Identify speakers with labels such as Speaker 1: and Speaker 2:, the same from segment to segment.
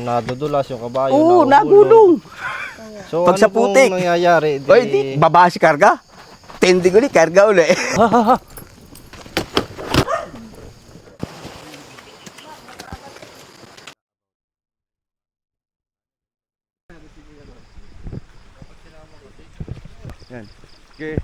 Speaker 1: nadudulas yung kabayo.
Speaker 2: Oo, nagulong.
Speaker 1: So
Speaker 2: Pag
Speaker 1: ano
Speaker 2: sa putik.
Speaker 1: pong nangyayari?
Speaker 2: Oy, di, baba si karga. Tending uli, karga uli. Yan. Okay.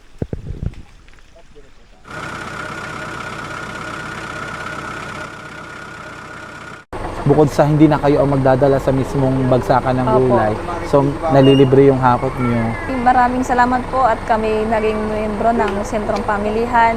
Speaker 3: Bukod sa hindi na kayo ang magdadala sa mismong bagsakan ng
Speaker 4: Opo.
Speaker 3: gulay, so nalilibre yung hakot niyo.
Speaker 4: Maraming salamat po at kami naging miyembro ng Sentrong Pamilihan.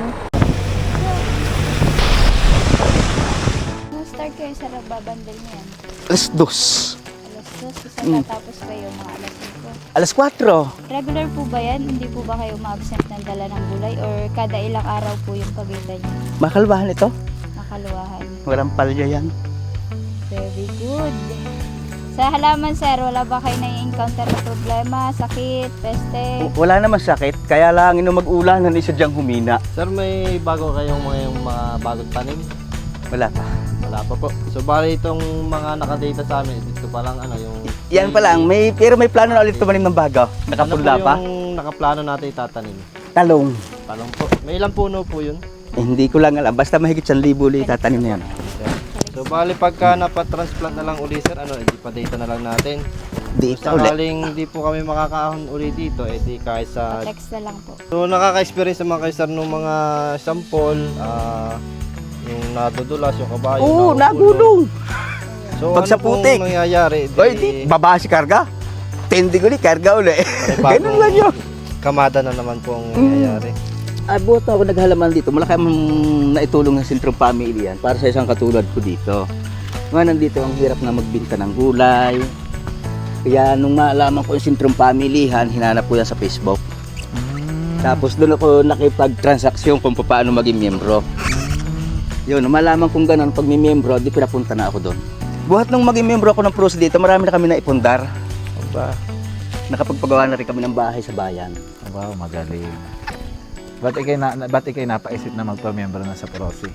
Speaker 5: Start kayo sa nagbabandal niyan.
Speaker 2: Alas 2.
Speaker 5: Alas 2, isa tatapos kayo mga alas 5.
Speaker 2: Alas 4.
Speaker 5: Regular po ba yan? Hindi po ba kayo ma-absent ng dala ng gulay? Or kada ilang araw po yung pagitan niyo?
Speaker 2: Makalbahan ito.
Speaker 5: Nakaluwahan.
Speaker 2: Walang palya yan.
Speaker 5: Very good. Sa halaman sir, wala ba kayo na-encounter na problema, sakit, peste?
Speaker 2: Wala naman sakit. Kaya lang ino mag-ulan na isa diyang humina.
Speaker 1: Sir, may bago kayong mga bagong tanim?
Speaker 2: Wala pa.
Speaker 1: Wala pa po. So bali itong mga nakadata sa amin, dito pa lang ano yung...
Speaker 2: Yan pa lang. Pero may plano na ulit tumanim ng bago. Nakapunla
Speaker 1: ano po
Speaker 2: pa.
Speaker 1: yung nakaplano natin itatanim?
Speaker 2: Talong.
Speaker 1: Talong po. May ilang puno po yun?
Speaker 2: Hindi ko lang alam. Basta mahigit 1,000 ulit tatanim na yan.
Speaker 1: So bali pagka napatransplant na lang uli sir, ano, edi pa data na lang natin.
Speaker 2: Di
Speaker 1: Kung
Speaker 2: ulit.
Speaker 1: sakaling hindi po kami makakaahon uli dito, edi kahit sa...
Speaker 5: Text na lang po.
Speaker 1: So nakaka-experience naman kayo sir ng mga sample, yung nadudulas, yung kabayo.
Speaker 2: Oo,
Speaker 1: nahulog.
Speaker 2: nagulong.
Speaker 1: So
Speaker 2: Pag
Speaker 1: ano
Speaker 2: sa putik.
Speaker 1: pong nangyayari?
Speaker 2: Oy, di, baba si karga. Tending uli, karga uli. Ganun lang yun.
Speaker 1: Kamada na naman po ang nangyayari.
Speaker 2: Buhat na ako naghalaman dito. Malaki ang naitulong ng Sentrong Pamilihan para sa isang katulad ko dito. Nga nandito ang hirap na magbinta ng gulay. Kaya nung maalaman ko yung Sentrong Pamilihan, hinanap ko yan sa Facebook. Tapos doon ako nakipag-transaksyon kung paano maging miyembro. Yun, nung malaman kong ganun, pag may miyembro, di pinapunta na ako doon. Buhat nung maging miyembro ako ng PROS dito, marami na kami naipundar.
Speaker 3: Aba,
Speaker 2: Nakapagpagawa na rin kami ng bahay sa bayan.
Speaker 3: wow, magaling. Ba't ikay napaisip na magpa-member na sa Prosi?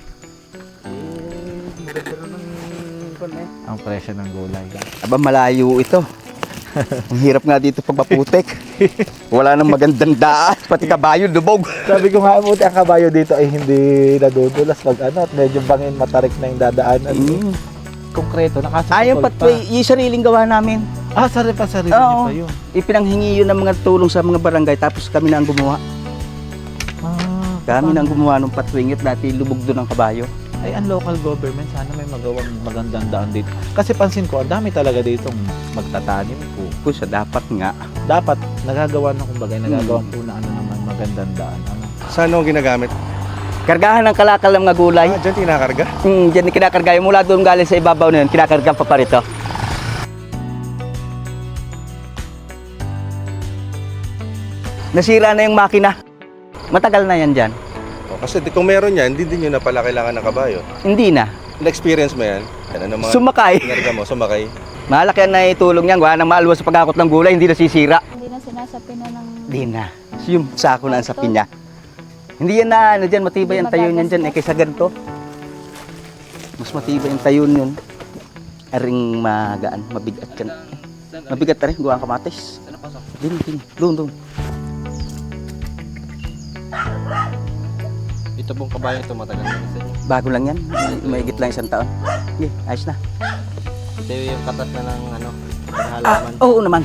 Speaker 3: Ang presyo ng gulay.
Speaker 2: Aba, malayo ito. Ang hirap nga dito pag maputik. Wala nang magandang daan. Pati kabayo, lubog.
Speaker 3: Sabi ko nga, buti ang kabayo dito ay hindi nadudulas pag ano, at medyo bangin, matarik na yung dadaanan. Konkreto, nakasukol
Speaker 2: Yung pathway, yung sariling gawa namin.
Speaker 3: sarili niyo
Speaker 2: Oo.
Speaker 3: pa yun.
Speaker 2: Ipinanghingi yun ng mga tulong sa mga barangay, tapos kami na ang gumawa. Kami na ang gumawa ng pathway, ngit dati lubog doon ang kabayo.
Speaker 3: Ay, ang local government, sana may magawang magandang daan dito. Kasi pansin ko, ang dami talaga ditong magtatanim po.
Speaker 2: Kusa, dapat nga.
Speaker 3: Dapat, nagagawa na kumbaga, nagagawa po na ano naman, magandang daan. Ano?
Speaker 6: Saan ang ginagamit?
Speaker 2: Kargahan ng kalakal ng mga gulay.
Speaker 6: Diyan tinakarga?
Speaker 2: Diyan kinakarga. Yung mula doon galing sa ibabaw na yun, kinakarga pa rito. Nasira na yung makina. Matagal na yan dyan.
Speaker 6: Kasi kung meron yan, hindi din yun na pala kailangan ng kabayo.
Speaker 2: Hindi na.
Speaker 6: Na-experience mo yan? Yan, ano mga
Speaker 2: Sumakay.
Speaker 6: kinarga mo? Sumakay?
Speaker 2: Malaki ang naitulong niyan. Wala nang maalwas sa pagkakot ng gulay, hindi nasisira.
Speaker 5: Hindi na sinasapi na ng...
Speaker 2: Hindi na. Yung sako na ang sapi niya. Hindi yan na, ano dyan, matibay ang tayo niyan dyan. Kaysa ganito. Mas matibay ang tayo niyan. Aring magaan, mabigat yan. Mabigat na rin, gawa ang kamatis. Doon.
Speaker 1: Ito pong kabayo ito matagal na sa inyo.
Speaker 2: Bago lang yan. Mahigit lang 1 taon. Okay, ayos na.
Speaker 1: Ito yung katas na ng ano, ng halaman.
Speaker 2: Oo naman.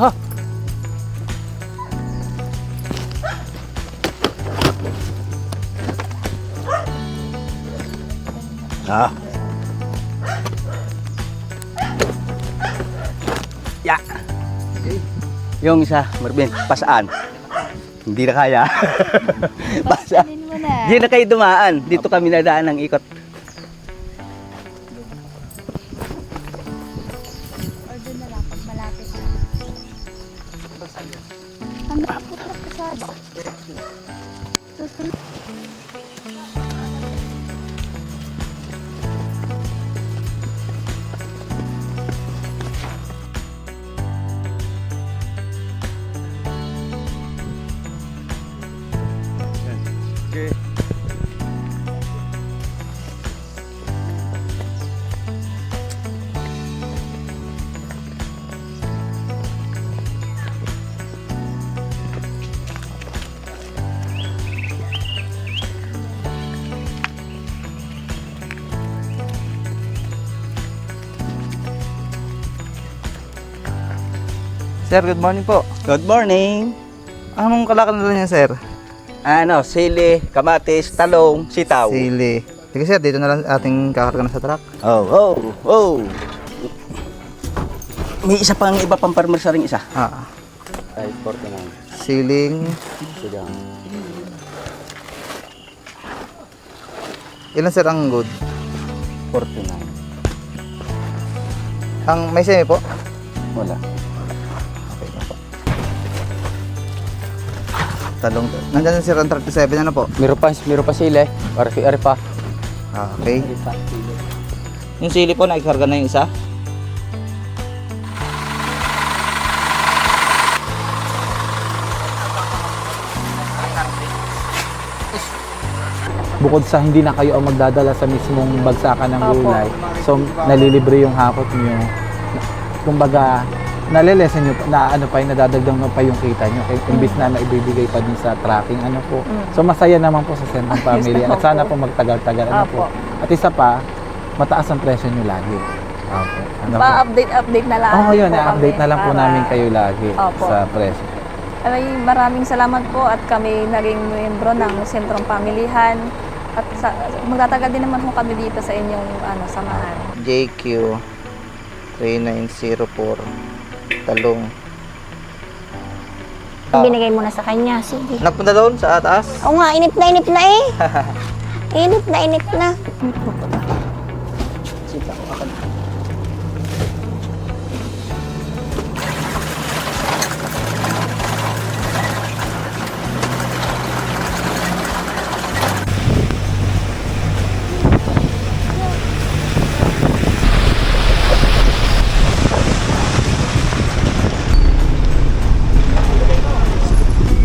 Speaker 2: Ya. Yung isa, Marvin, pasaan. Hindi na kaya. Pasaan.
Speaker 5: Pasanin mo na.
Speaker 2: Hindi na kayo dumaan. Dito kami nadaan ng ikot.
Speaker 5: Or doon na lang pag malapit na. Ang nakaputrak pasado. Susunod.
Speaker 6: Okay.
Speaker 7: Sir, good morning po.
Speaker 2: Good morning.
Speaker 7: Anong kalakalan na niya, sir?
Speaker 2: Ano, sili, kamatis, talong, sitaw.
Speaker 7: Sili. Sige sir, dito na lang ating kakarga na sa truck.
Speaker 2: Oh. May isa pang iba pang farmer sa ring isa. Ay, 49.
Speaker 7: Siling.
Speaker 2: Sige.
Speaker 7: Ilan sir ang good?
Speaker 2: 49.
Speaker 7: Ang may semi po?
Speaker 2: Wala.
Speaker 7: Okay na po. Talong. Nandiyan sir ang 37, ano po?
Speaker 2: Meron pa sili. Ari pa.
Speaker 7: Okay. Yung sili po, nakikarga na yung isa.
Speaker 3: Bukod sa hindi na kayo ang magdadala sa mismong bagsakan ng
Speaker 4: Opo.
Speaker 3: gulay, so nalilibre yung hakot nyo. Kumbaga, nalilesen nyo, na ano pa yung nadadagdag mo pa yung kita nyo. Imbis na maibibigay pa din sa tracking, ano po. So masaya naman po sa Sentrong Family. At sana po magtagal-tagal, ano po.
Speaker 4: Opo.
Speaker 3: At isa pa, mataas ang presyo nyo lagi. Opo. Ano po?
Speaker 4: Pa-update na lang.
Speaker 3: Oo, yun.
Speaker 4: po
Speaker 3: I-update
Speaker 4: kami
Speaker 3: na lang po
Speaker 4: para-
Speaker 3: namin kayo lagi
Speaker 4: Opo.
Speaker 3: sa presyo.
Speaker 4: Ay, maraming salamat po at kami naging miyembro ng Sentrong Pamilihan. At magtatagal din naman po kami dito sa inyong samahan.
Speaker 7: JQ 3904. Talong.
Speaker 8: Binigay mo na sa kanya. Sige.
Speaker 7: Nagpunta doon sa taas?
Speaker 8: Oo nga, inip na eh. Inip na.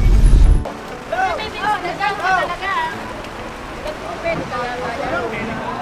Speaker 5: Talaga.